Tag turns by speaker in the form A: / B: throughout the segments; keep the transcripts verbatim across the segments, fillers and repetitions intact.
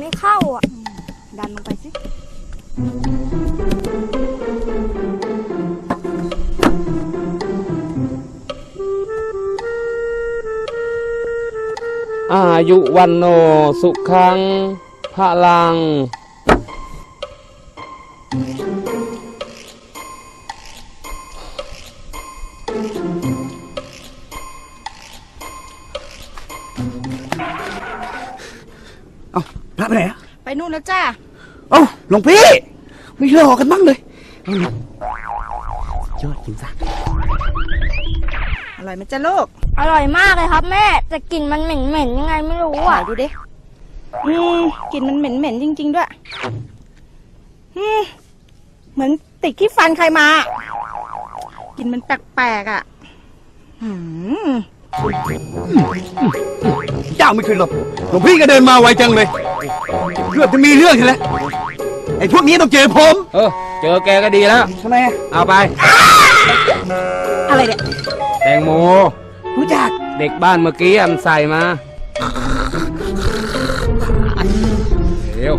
A: ไม่เข้าอ่ะ
B: ดันลงไปสิ
C: อายุวันโนสุขังพลัง
D: เอาพระไปไหนอะ
B: ไปนู่นแล้วจ้า
D: เอ้าหลวงพี่ไม่รอกันบ้างเลยยอดจริงจ้ะ
B: อร่อยไหมจ้าลูก
A: อร่อยมากเลยครับแม่แต่กลิ่นมันเหม็นๆยังไงไม่รู้อ่ะ
B: ดูดิอืมกลิ่นมันเหม็นๆจริงๆด้วยอืมเหมือนติดขี้ฟันใครมากลิ่นมันแปลกๆอ่ะอืม
D: เจ้าไม่เคยหลบหลวงพี่ก็เดินมาไวจังเลยเกือบจะมีเรื่องใช่ไหมไอ้พวกนี้ต้องเจอผม
C: เออเจอแกก็ดีแล้ว
D: ทำไม
C: เอาไป
B: อะไรเนี่ย
C: แตงโม
D: รู้จัก
C: เด็กบ้านเมื่อกี้มันใส่มาเร็ว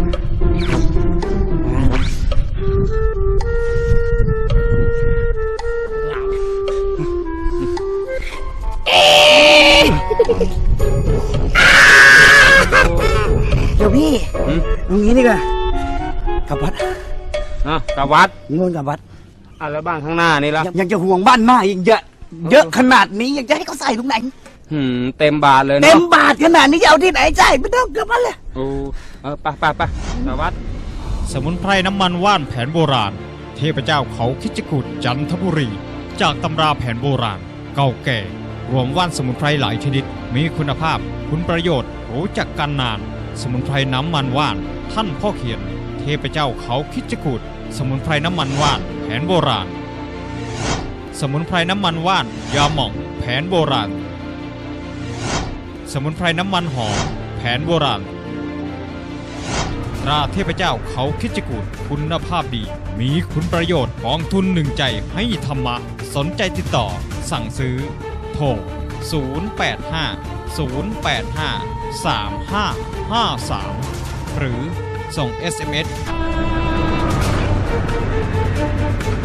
D: เดี๋ยวพี่ตรงนี้นี่ก็กลับวัด
C: อ่ะกลับวัด
D: นิมนต์กลับวัด
C: อ่ะแล้วบ้านข้างหน้านี่ล่ะ
D: ยังจะห่วงบ้านมากอีกเยอะเยอะขนาดนี้ยังจะให้เขาใส่ตรงไหน
C: หืมเต็มบาทเลยเนาะ
D: เต็มบาทขนาดนี้จะเอาที่ไหนใช่ไม่ต้องกลับวัดเลย
C: โอ้เออไปไปไปกลับวัด
E: สมุนไพรน้ำมันว่านแผนโบราณเทพเจ้าเขาคิจกูฏจันทบุรีจากตำราแผนโบราณเก่าแก่รวมว่านสมุนไพรหลายชนิดมีคุณภาพคุณประโยชน์รู้จักกันนานสมุนไพรน้ำมันว่านท่านพ่อเขียนเทพเจ้าเขาคิจกูฏสมุนไพรน้ำมันว่านแผนโบราณสมุนไพรน้ำมันว่านยาหม่องแผนโบราณสมุนไพรน้ำมันหอมแผนโบราณตราเทพเจ้าเขาคิจกูฏคุณภาพดีมีคุณประโยชน์กองทุนหนึ่งใจให้ธรรมะสนใจติดต่อสั่งซื้อโทรศูนย์ แปด ห้า ศูนย์ แปด ห้า สาม ห้า ห้า สามหรือส่ง เอส เอ็ม เอส